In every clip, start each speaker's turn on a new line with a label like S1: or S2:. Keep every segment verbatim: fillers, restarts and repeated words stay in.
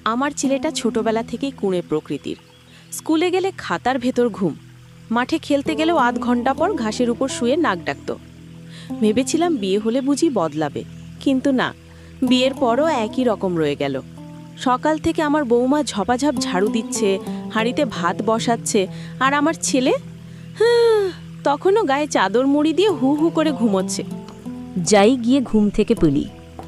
S1: আমার ছেলেটা ছোটবেলা থেকেই কুঁড়ে প্রকৃতির। স্কুলে গেলে খাতার ভেতর ঘুম, মাঠে খেলতে গেলেও আধ ঘন্টা পর ঘাসের উপর শুয়ে নাক ডাকত। ভেবেছিলাম বিয়ে হলে বুঝি বদলাবে, কিন্তু না, বিয়ের পরও একই রকম রয়ে গেল। সকাল থেকে আমার বৌমা ঝপাঝপ ঝাড়ু দিচ্ছে, হাঁড়িতে ভাত বসাচ্ছে, আর আমার ছেলে হ্যাঁ তখনও গায়ে চাদর মুড়ি দিয়ে হু হু করে ঘুমোচ্ছে।
S2: যাই গিয়ে ঘুম থেকে তুলি।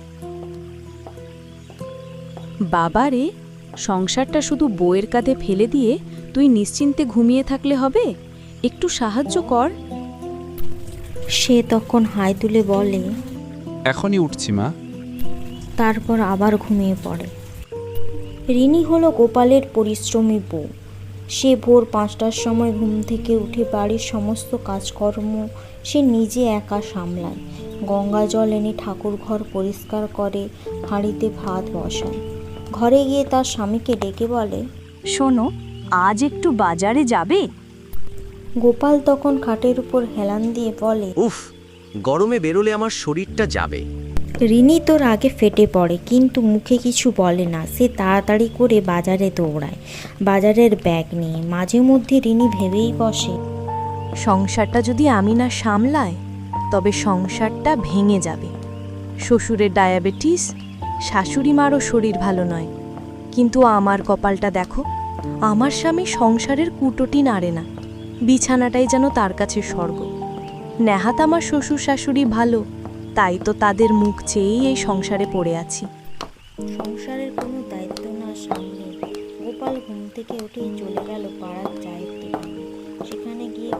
S2: বাবা রে, সংসারটা শুধু বউয়ের কাঁধে ফেলে দিয়ে তুই নিশ্চিন্তে ঘুমিয়ে থাকলে হবে? একটু সাহায্য কর।
S3: সে তখন হাই তুলে বলে,
S4: এখনই উঠছি মা।
S3: তারপর আবার ঘুমিয়ে পড়ে। রিনি হলো গোপালের পরিশ্রমী বউ। সে ভোর পাঁচটার সময় ঘুম থেকে উঠে বাড়ির সমস্ত কাজকর্ম সে নিজে একা সামলায়। গঙ্গা জল এনে ঠাকুর ঘর পরিষ্কার করে, হাঁড়িতে ভাত বসায়। ঘরে গিয়ে তার স্বামীকে ডেকে বলে,
S2: শোনো, আজ একটু বাজারে যাবে?
S3: গোপাল তখন খাটের উপর হেলান দিয়ে বলে,
S5: উফ, গরমে বেরোলে আমার শরীরটা যাবে।
S3: রিনি তোর আগে ফেটে পড়ে, কিন্তু মুখে কিছু বলে না। সে তাড়াতাড়ি করে বাজারে দৌড়ায়, বাজারের ব্যাগ নিয়ে। মাঝে মধ্যে রিনি ভেবেই বসে,
S2: সংসারটা যদি আমি না সামলাই, তবে সংসারটা ভেঙে যাবে। শ্বশুরের ডায়াবেটিস, শাশুড়ি মারও শরীর ভালো নয়, কিন্তু আমার কপালটা দেখো, আমার স্বামী সংসারের কুটোটি নাড়ে না, বিছানাটাই যেন তার কাছে স্বর্গ। নেহাত আমার শ্বশুর শাশুড়ি ভালো, তাই তো তাদের মুখ চেয়েই এই সংসারে পড়ে আছি।
S3: সংসারের কোনো দায়িত্ব না সামলে গোপাল ঘুম থেকে উঠেই চলে গেল পাড়ার চায়ের দোকানে। সেখানে গিয়ে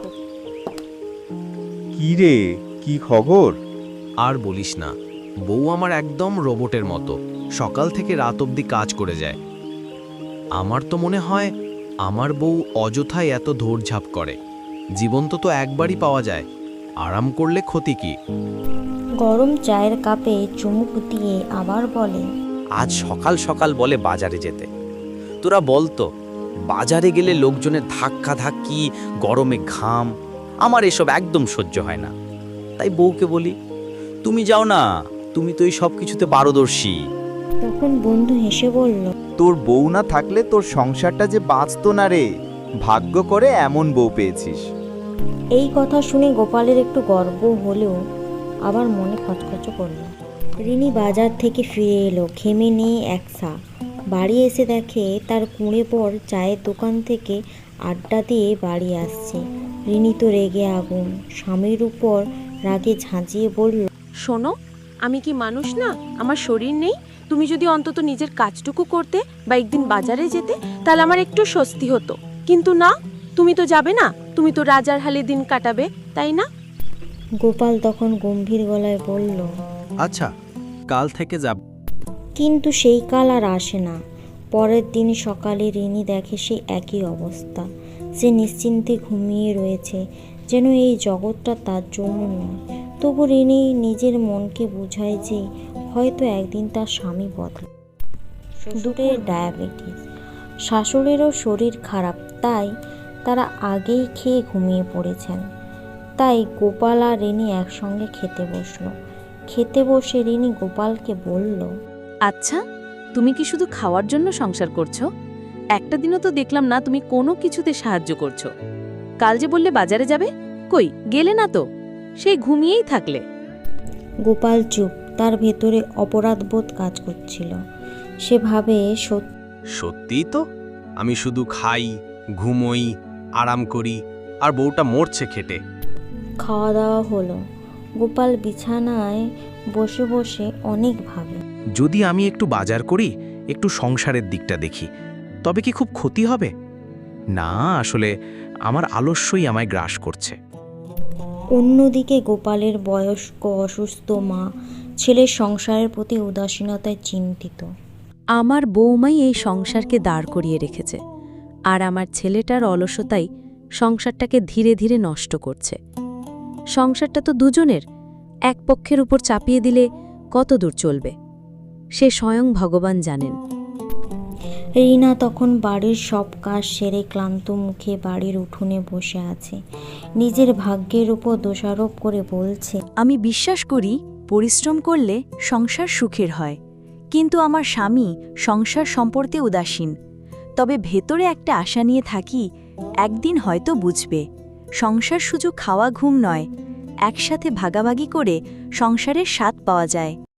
S6: কি রে, কি খবর?
S5: আর বলিস না, বউ আমার একদম রোবটের মতো, সকাল থেকে রাত অবধি কাজ করে যায়। আমার তো মনে হয় আমার বউ অযথায় এত দৌড়ঝাঁপ করে। জীবন তো তো একবারই পাওয়া যায়, আরাম করলে ক্ষতি কি?
S3: গরম চায়ের কাপে চুমুক দিয়ে আবার বলে,
S7: আজ সকাল সকাল বলে বাজারে যেতে। তোরা বলতো, বাজারে গেলে লোকজনের ধাক্কা ধাক্কি, গরমে ঘাম, আমার এসব একদম সহ্য হয় না। তাই বউকে বলি, তুমি যাও না, তুমি তো এই সব কিছুতে পারদর্শী।
S3: তখন বন্ধু হেসে বলল,
S6: তোর বউ না থাকলে তোর সংসারটা যে বাঁচতো না রে। ভাগ্য করে এমন বউ পেয়েছিস।
S3: এই কথা শুনে গোপালের একটু গর্ব হলেও আবার মনে খচখচ করল। রিনি বাজার থেকে ফিরে এলো, ঘেমে নিয়ে একসা। বাড়ি এসে দেখে তার কুঁড়ে পর চায়ের দোকান থেকে আড্ডা দিয়ে বাড়ি আসছে। রিনি তো রেগে আগুন, স্বামীর উপর রাগে ঝাঁঝিয়ে বলল,
S1: শোনো, আমি কি মানুষ না? আমার শরীর নেই? তুমি যদি অন্তত নিজের কাজটুকু করতে বা একদিন বাজারে যেতে, তাহলে আমার একটু স্বস্তি হতো। কিন্তু না, তুমি তো যাবে না, তুমি তো রাজার হালে দিন কাটাবে, তাই না?
S3: গোপাল তখন গম্ভীর গলায় বলল,
S5: আচ্ছা, কাল থেকে যাব।
S3: কিন্তু সেই কাল আর আসে না। পরের দিন সকালে রিনি দেখে সেই একই অবস্থা। সে নিশ্চিন্তে ঘুমিয়ে রয়েছে, যেন এই জগৎটা তার জন্য নয়। তবু রিনি নিজের মনকে বোঝায় যে হয়তো একদিন তার স্বামী বদলাবে। শ্বশুরের ডায়াবেটিস, শাশুড়েরও শরীর খারাপ, তাই তারা আগেই খেয়ে ঘুমিয়ে পড়েছেন। তাই গোপাল আর রিনি একসঙ্গে খেতে বসলো। খেতে বসে রিনি গোপালকে বলল,
S2: আচ্ছা, তুমি কি শুধু খাওয়ার জন্য সংসার করছো? একটা দিনও তো দেখলাম না তুমি কোনো কিছুতে সাহায্য করছো। কাল যে বললে বাজারে যাবে, কই গেলে না তো? সেই ঘুমিয়েই থাকলে।
S3: গোপাল চুপ, তার ভেতরে অপরাধবোধ কাজ করছিল। সে ভাবে, সত্যি
S5: সত্যিই তো, আমি শুধু খাই, ঘুমোই, আরাম করি, আর বউটা মরছে খেটে।
S3: খাওয়া দাওয়া হলো। গোপাল বিছানায় বসে বসে অনেক ভাবে,
S5: যদি আমি একটু বাজার করি, একটু সংসারের দিকটা দেখি, তবে কি খুব ক্ষতি হবে? না, আসলে আমার আলস্যই আমায় গ্রাস করছে।
S3: অন্যদিকে গোপালের বয়স্ক অসুস্থ মা ছেলের সংসারের প্রতি উদাসীনতায় চিন্তিত।
S2: আমার বৌমাই এই সংসারকে দাঁড় করিয়ে রেখেছে, আর আমার ছেলেটার অলসতাই সংসারটাকে ধীরে ধীরে নষ্ট করছে। সংসারটা তো দুজনের, এক পক্ষের উপর চাপিয়ে দিলে কত দূর চলবে সে স্বয়ং ভগবান জানেন।
S3: রিনা তখন বাড়ির সব কাজ সেরে ক্লান্ত মুখে বাড়ির উঠোনে বসে আছে। নিজের ভাগ্যের উপর দোষারোপ করে বলছে,
S2: আমি বিশ্বাস করি পরিশ্রম করলে সংসার সুখের হয়, কিন্তু আমার স্বামী সংসার সম্পর্কে উদাসীন। তবে ভেতরে একটা আশা নিয়ে থাকি, একদিন হয়তো বুঝবে সংসার শুধু খাওয়া ঘুম নয়, একসাথে ভাগাভাগি করে সংসারের স্বাদ পাওয়া যায়।